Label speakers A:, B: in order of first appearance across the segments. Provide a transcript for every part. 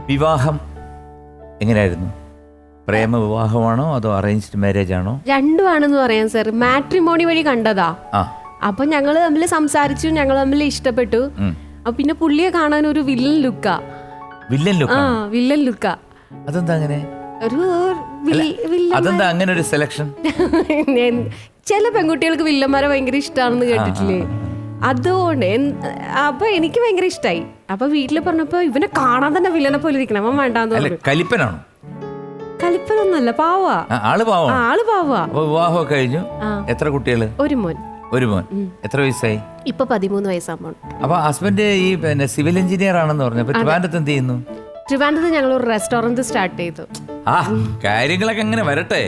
A: വിവാഹം എങ്ങനെയായിരുന്നു? പ്രേമ വിവാഹമാണോ അതോ അറേഞ്ച്ഡ് മാരേജ് ആണോ?
B: രണ്ടുമാണെന്ന് പറയാം സർ. മാട്രിമോണി വഴി കണ്ടതാ. അപ്പൊ ഞങ്ങള് തമ്മിൽ സംസാരിച്ചു, ഞങ്ങൾ തമ്മിൽ ഇഷ്ടപ്പെട്ടു. പിന്നെ പുള്ളിയെ കാണാൻ ഒരു വില്ലൻ ലുക്കാ. വില്ലൻ ലുക്കാ.
A: അതെന്താ അങ്ങനെ?
B: അതെന്താ
A: അങ്ങനെ ഒരു സെലക്ഷൻ?
B: ചില പെൺകുട്ടികൾക്ക് വില്ലന്മാരെ ഭയങ്കര ഇഷ്ടമാണെന്ന് കേട്ടിട്ടില്ലേ? അതുകൊണ്ട് അപ്പൊ എനിക്ക് ഭയങ്കര ഇഷ്ടമായി. അപ്പൊ വീട്ടില് പറഞ്ഞപ്പോ ഇവനെ കാണാൻ തന്നെ വില്ലനെ പോലെ ഇരിക്കണം, അവൻ വേണ്ടാന്ന് പറഞ്ഞു.
A: കലിപ്പനാണോ?
B: കലിപ്പനൊന്നല്ല, പാവാ.
A: ആള്
B: പാവാ.
A: വിവാഹം കഴിഞ്ഞു. എത്ര കുട്ടികള്?
B: ഒരു മോൻ.
A: എത്ര വയസ്സായി?
B: ഇപ്പൊ 13 വയസ്സാകുമ്പോൾ.
A: അപ്പൊ ഹസ്ബൻഡ് ഈ സിവിൽ എഞ്ചിനീയർ ആണെന്ന് പറഞ്ഞു. ട്രിവാൻഡ്രത്ത് എന്ത് ചെയ്യുന്നു?
B: ട്രിവാൻഡ്രത്ത് ഞങ്ങൾ ഒരു റെസ്റ്റോറന്റ് സ്റ്റാർട്ട് ചെയ്തു.
A: കാര്യങ്ങളൊക്കെ അങ്ങനെ വരട്ടെ.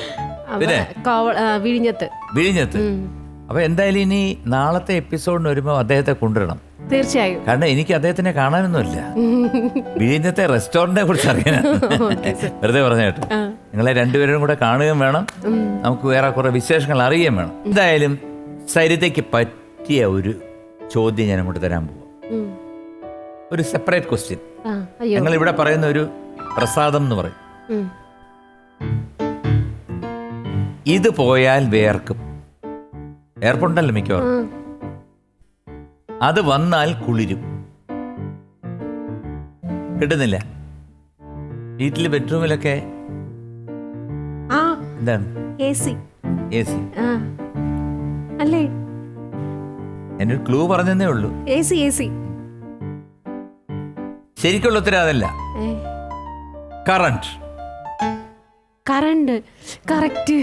A: വിഴിഞ്ഞത്ത്. അപ്പൊ എന്തായാലും ഇനി നാളത്തെ എപ്പിസോഡിന് വരുമ്പോ അദ്ദേഹത്തെ കൊണ്ടുവരണം.
B: തീർച്ചയായും.
A: കാരണം എനിക്ക് അദ്ദേഹത്തിനെ കാണാനൊന്നുമില്ല. വിഴിഞ്ഞത്തെ റെസ്റ്റോറന്റിനെ കുറിച്ച് അറിയാനാണ്. വെറുതെ പറഞ്ഞ കേട്ടോ. നിങ്ങളെ രണ്ടുപേരും കൂടെ കാണുകയും വേണം, നമുക്ക് വേറെ കുറെ വിശേഷങ്ങൾ അറിയുകയും വേണം. എന്തായാലും സരിതയ്ക്ക് പറ്റിയ ഒരു ചോദ്യം ഞാൻ അങ്ങോട്ട് തരാൻ പോവാം. ഒരു സെപ്പറേറ്റ് ക്വസ്റ്റ്യൻ. ഞങ്ങൾ ഇവിടെ പറയുന്ന ഒരു പ്രസാദം എന്ന് പറയും. ഇത് പോയാൽ വേർക്കും. ഏർപ്പുണ്ടല്ലോ മിക്കവാറും. അത് വന്നാൽ കുളിരും. കിട്ടുന്നില്ല. വീട്ടില് ബെഡ്റൂമിലൊക്കെ എന്താണ്? AC.
B: അല്ലേ?
A: എന്നൊരു ക്ലൂ പറഞ്ഞതേ ഉള്ളൂ.
B: AC.
A: ശരിക്കുള്ള ഉത്തരം അതല്ല. കറണ്ട്.
B: കറക്റ്റ്.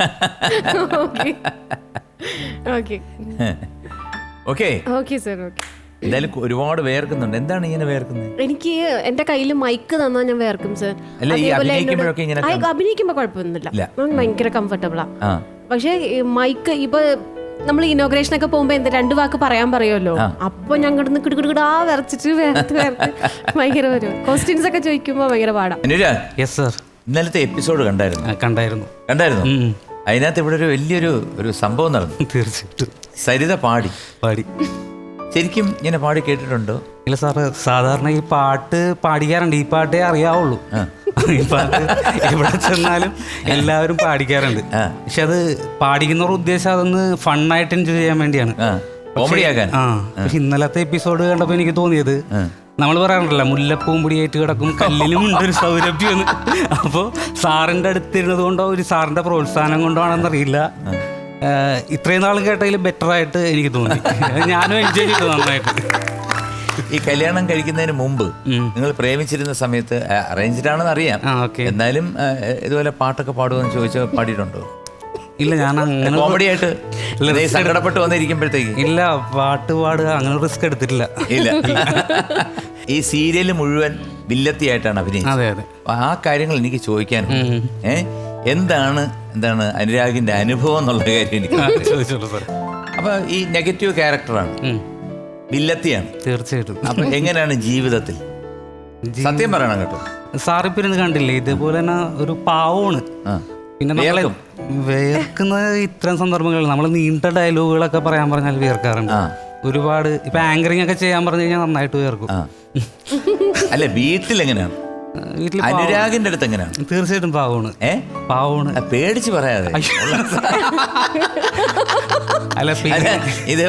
B: Okay sir.
A: എന്തായാലും ഒരുപാട് വേർക്കുന്നുണ്ട്. എന്താണ് ഇങ്ങനെ വേർക്കുന്നത്?
B: എനിക്ക് എന്റെ കയ്യിൽ മൈക്ക് തന്നാ ഞാൻ വേർക്കും സർ. അഭിനയിക്കുമ്പോ കുഴപ്പമൊന്നുമില്ല, ഭയങ്കര കംഫർട്ടബിളാ. പക്ഷെ മൈക്ക് ഇപ്പൊ നമ്മൾ ഇനോഗ്രേഷൻ ഒക്കെ പോകുമ്പോ എന്താ 2 വാക്ക് പറയാൻ പറയുമല്ലോ, അപ്പൊ ഞാൻ കിടന്ന് കിടുകിടാ വിറച്ചിട്ട് ഭയങ്കര വരും. ക്വസ്റ്റ്യൻസ് ഒക്കെ ചോദിക്കുമ്പോ ഭയങ്കര പാടാ.
A: ഇന്നലത്തെ എപ്പിസോഡ് കണ്ടായിരുന്നു? അതിനകത്ത് ഇവിടെ ഒരു വലിയൊരു സംഭവം നടന്നു.
C: തീർച്ചയായിട്ടും.
A: സരിത പാടി. ശരിക്കും ഇങ്ങനെ പാടി കേട്ടിട്ടുണ്ടോ?
C: ഇല്ല സാറ്, സാധാരണ ഈ പാട്ട് പാടിക്കാറുണ്ട്. ഈ പാട്ടേ അറിയാവുള്ളൂ. ഈ പാട്ട് എവിടെ ചെന്നാലും എല്ലാവരും പാടിക്കാറുണ്ട്. പക്ഷെ അത് പാടിക്കുന്നവരുടെ ഉദ്ദേശം അതൊന്ന് ഫണ്ണായിട്ട് എൻജോയ് ചെയ്യാൻ വേണ്ടിയാണ്,
A: കോമഡിയാക്കാൻ.
C: പക്ഷെ ഇന്നലത്തെ എപ്പിസോഡ് കണ്ടപ്പോൾ എനിക്ക് തോന്നിയത്, നമ്മൾ പറയാറുണ്ടല്ലോ മുല്ലപ്പൂവും പൊടിയായിട്ട് കിടക്കും കല്ലിനും ഉണ്ടൊരു സൗരഭ്യം. അപ്പോൾ സാറിൻ്റെ അടുത്തിരുന്നത് കൊണ്ടോ ഒരു സാറിൻ്റെ പ്രോത്സാഹനം കൊണ്ടോ ആണെന്നറിയില്ല, ഇത്രയും നാളും കേട്ടതിൽ ബെറ്റർ ആയിട്ട് എനിക്ക് തോന്നി. ഞാനും എൻജോയ് ചെയ്തു നന്നായിട്ട്.
A: ഈ കല്യാണം കഴിക്കുന്നതിന് മുമ്പ് നിങ്ങൾ പ്രേമിച്ചിരുന്ന സമയത്ത് അറേഞ്ച്ഡ് ആണെന്ന് അറിയാം, എന്നാലും ഇതുപോലെ പാട്ടൊക്കെ പാടുമെന്ന് ചോദിച്ചാൽ പാടിയിട്ടുണ്ടോ?
C: ഇല്ല, ഞാൻ അങ്ങനെ
A: കോമഡി ആയിട്ട് സങ്കടപ്പെട്ട് വന്നിരിക്കുമ്പോഴത്തേക്ക്
C: ഇല്ല, പാട്ട് പാടുക അങ്ങനെ റിസ്ക് എടുത്തിട്ടില്ല.
A: ഇല്ല. ഈ സീരിയൽ മുഴുവൻ വില്ലത്തിയായിട്ടാണ് അഭിനയിച്ചത്.
C: അതെ അതെ.
A: ആ കാര്യങ്ങൾ എനിക്ക് ചോദിക്കാനുണ്ട്. എന്താണ് അനുരാഗിന്റെ അനുഭവം എന്നുള്ള കാര്യം എനിക്ക് ചോദിച്ചോളൂ. അപ്പൊ ഈ നെഗറ്റീവ് ക്യാരക്ടറാണ്, വില്ലത്തിയാണ്.
C: തീർച്ചയായിട്ടും.
A: അപ്പൊ എങ്ങനെയാണ് ജീവിതത്തിൽ? സത്യം പറയണം കേട്ടോ.
C: സാറിപ്പിരുന്ന് കണ്ടില്ലേ, ഇതേപോലെ തന്നെ ഒരു പാവമാണ്. പിന്നെ നമ്മളെ വേർക്കുന്നത് ഇത്തരം സന്ദർഭങ്ങളിൽ നമ്മൾ നീണ്ട ഡയലോഗുകളൊക്കെ പറയാൻ പറഞ്ഞാൽ വേർക്കാറുണ്ട് ഒരുപാട്. ഇപ്പൊ ആങ്കറിംഗ് ഒക്കെ ചെയ്യാൻ പറഞ്ഞു കഴിഞ്ഞാൽ നന്നായിട്ട് വേർക്കും.
A: അല്ല, വീട്ടിലെങ്ങനെയാണ്? അനുരാഗിന്റെ അടുത്ത് എങ്ങനെയാണ്?
C: തീർച്ചയായിട്ടും പാവമാണ്. പാവമാണ്.
A: പേടിച്ച് പറയാതെ.
C: അല്ല
A: ഇത്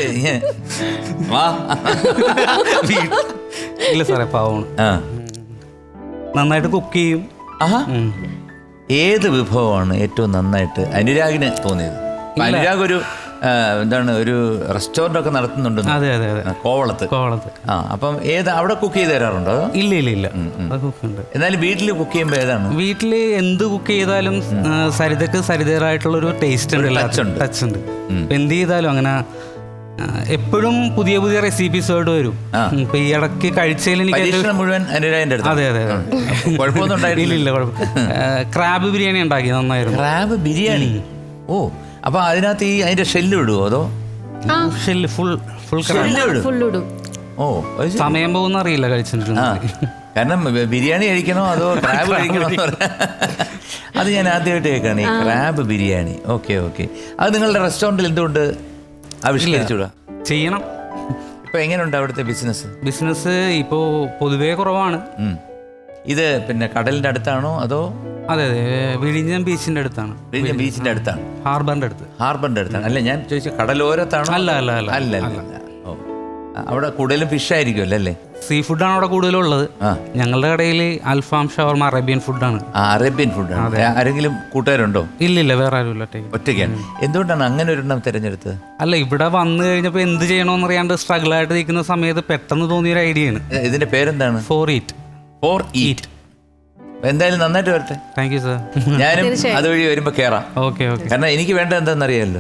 C: ഇല്ല സാറേ, പാവമാണ്. നന്നായിട്ട് കുക്ക് ചെയ്യും.
A: ഏത് വിഭവമാണ് ഏറ്റവും നന്നായിട്ട് അനുരാഗിന് തോന്നിയത്? അനുരാഗ് ഒരു റെസ്റ്റോറന്റ് ഒക്കെ നടത്തുന്നുണ്ട്.
C: അതെ അതെ അതെ,
A: കോവളത്ത്. അപ്പം അവിടെ കുക്ക് ചെയ്ത് തരാറുണ്ടോ?
C: ഇല്ല.
A: എന്നാലും വീട്ടിൽ കുക്ക് ചെയ്യുമ്പോൾ ഏതാണ്?
C: വീട്ടില് എന്ത് കുക്ക് ചെയ്താലും സരിതക്ക് സരിതയായിട്ടുള്ള ഒരു ടേസ്റ്റ് ഉണ്ട്, ടച്ച് ഉണ്ട്. എന്ത് ചെയ്താലും അങ്ങനെ എപ്പോഴും പുതിയ പുതിയ റെസിപ്പീസോട് വരും. ഇപ്പൊ ഈ ഇടയ്ക്ക് കഴിച്ചതിൽ എനിക്ക്
A: മുഴുവൻ അനുരാഗിന്റെ അടുത്ത്.
C: അതെ അതെ,
A: കുഴപ്പമൊന്നും
C: ഇല്ല. ക്രാബ് ബിരിയാണി ഉണ്ടാക്കി, നന്നായിരുന്നു.
A: ക്രാബ് ബിരിയാണി? ഓ, അപ്പൊ അതിനകത്ത് അതിന്റെ ഷെല്ല് ഇടുവോ അതോ?
C: ഷെല്ല് ഫുൾ
B: ഇടും.
A: ഓ,
C: സമയം പോകുന്ന അറിയില്ല കഴിച്ചിട്ടുണ്ട്.
A: കാരണം ബിരിയാണി കഴിക്കണോ അതോ ക്രാബ് കഴിക്കണോ? അത് ഞാൻ ആദ്യമായിട്ട് കേൾക്കാണ്, ഈ ക്രാബ് ബിരിയാണി. ഓക്കെ. അത് നിങ്ങളുടെ റെസ്റ്റോറൻറ്റിൽ എന്തുകൊണ്ട് ആവിഷ്കരിച്ചൂടാ?
C: ചെയ്യണം.
A: ഇപ്പൊ ഇപ്പൊ എങ്ങനെയുണ്ട് അവിടുത്തെ
C: ബിസിനസ് ഇപ്പോൾ പൊതുവേ കുറവാണ്.
A: ഇത് പിന്നെ കടലിന്റെ അടുത്താണോ അതോ?
C: അതെ അതെ, വിഴിഞ്ഞം ബീച്ചിന്റെ അടുത്താണ്.
A: വിഴിഞ്ഞം ബീച്ചിന്റെ അടുത്താണ്, ഹാർബറിന്റെ അടുത്താണ്. അല്ല ഞാൻ ചോദിച്ചു കടലോരത്താണോ?
C: അല്ല അല്ല അല്ല
A: അല്ല അല്ല. ഓ, അവിടെ കൂടുതലും ഫിഷ് ആയിരിക്കുമല്ലോ അല്ലേ?
C: സീ ഫുഡാണ് അവിടെ കൂടുതലുള്ളത്. ഞങ്ങളുടെ കടയിൽ അൽഫാം, ഷവർമ, അറേബ്യൻ ഫുഡാണ്.
A: അറേബ്യൻ ഫുഡാണ്. ആരെങ്കിലും കൂട്ടുകാരുണ്ടോ?
C: ഇല്ല, വേറെ ആരും ഇല്ല.
A: ഒറ്റയ്ക്കാണ്. എന്തുകൊണ്ടാണ് അങ്ങനെ ഒരെണ്ണം തിരഞ്ഞെടുത്തത്?
C: അല്ല, ഇവിടെ വന്നു കഴിഞ്ഞപ്പോൾ എന്ത് ചെയ്യണമെന്ന് അറിയാണ്ട് സ്ട്രഗിൾ ആയിട്ട് നിൽക്കുന്ന സമയത്ത് പെട്ടെന്ന് തോന്നിയൊരു ഐഡിയ ആണ്.
A: ഇതിന്റെ പേരെന്താണ്?
C: Four eat.
A: എന്തായാലും നന്നായിട്ട് വരട്ടെ.
C: Thank you sir.
A: ഞാനും അതുവഴി വരുമ്പോ കേറാം.
C: ഓക്കെ.
A: കാരണം എനിക്ക് വേണ്ടത് എന്താണെന്നറിയാമല്ലോ,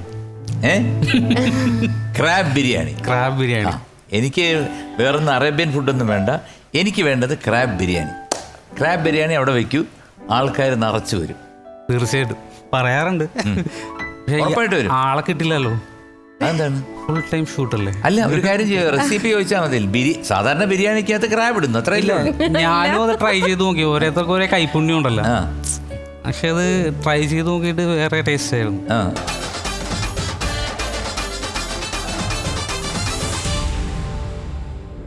A: ക്രാബ് ബിരിയാണി. എനിക്ക് വേറൊന്നും അറേബ്യൻ ഫുഡൊന്നും വേണ്ട, എനിക്ക് വേണ്ടത് ക്രാബ് ബിരിയാണി അവിടെ വെക്കൂ, ആൾക്കാർ നിറച്ചു വരും.
C: തീർച്ചയായിട്ടും പറയാറുണ്ട്.
A: ഉറപ്പായിട്ട് വരും.
C: ആളെ കിട്ടില്ലല്ലോ.
A: അതെന്താണ്?
C: ഫുൾ ടൈം ഷൂട്ടല്ലേ?
A: അല്ല, ഒരു കാര്യം ചെയ്യുക, റെസിപ്പി ചോദിച്ചാൽ മതി. സാധാരണ ബിരിയാണിക്കകത്ത് ക്രാബ് ഇടുന്നു, അത്ര ഇല്ല.
C: ഞാനും അത് ട്രൈ ചെയ്ത് നോക്കി. ഓരോരുത്തർക്കും ഒരേ കൈപ്പുണ്യം ഉണ്ടല്ലോ. പക്ഷെ അത് ട്രൈ ചെയ്ത് നോക്കിയിട്ട് വേറെ ടേസ്റ്റ് ആയിരുന്നു.